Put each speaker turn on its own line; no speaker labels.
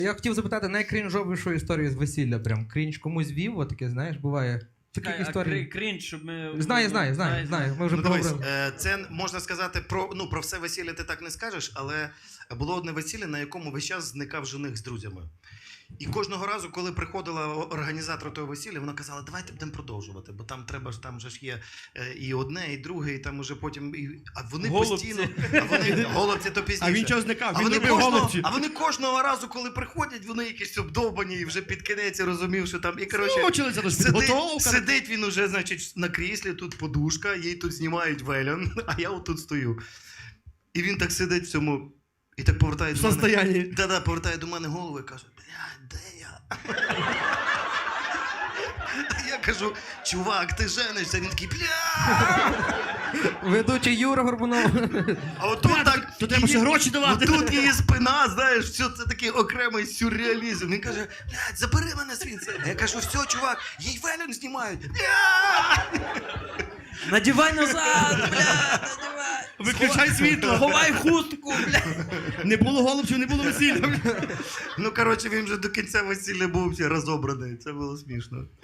Я хотів запитати найкрінжовішу історію з весілля. Прям крінж комусь вів, отаке, знаєш, буває. Таких історій.
Крінж, щоб ми...
Знаю. Ми вже поговорили.
Це можна сказати про все весілля ти так не скажеш, але було одне весілля, на якому весь час зникав жених з друзями. І кожного разу, коли приходила організатор того весілля, вона казала, давайте будемо продовжувати, бо там треба ж, там же ж є і одне, і друге, і там уже потім... А вони постійно... Голубці то пізніше.
А він чого зникав? Він робив голубці.
А вони кожного разу, коли приходять, вони якісь обдовбані, і вже під кінець розумів, що там... І, коротше, сидить він уже, значить, на кріслі, тут подушка, їй тут знімають вельон, а я отут стою. І він так сидить в цьому... І так повертає до мене. Повертає до мене голову і каже, блядь, де я? Я кажу, чувак, ти женишся? Він такий, блядь!
Ведучий Юра Горбунов.
А отут так...
То треба ще гроші давати.
Тут її спина, знаєш, все це такий окремий сюрреалізм. Він каже, блядь, забери мене звідси. А я кажу, все, чувак, їй вельон знімають. Блядь!
Надівай назад, блядь, надівай.
Виключай світло.
Ховай хустку, блядь.
Не було голубців, не було весілля.
Ну, коротше, він вже до кінця весілля був розобраний. Це було смішно.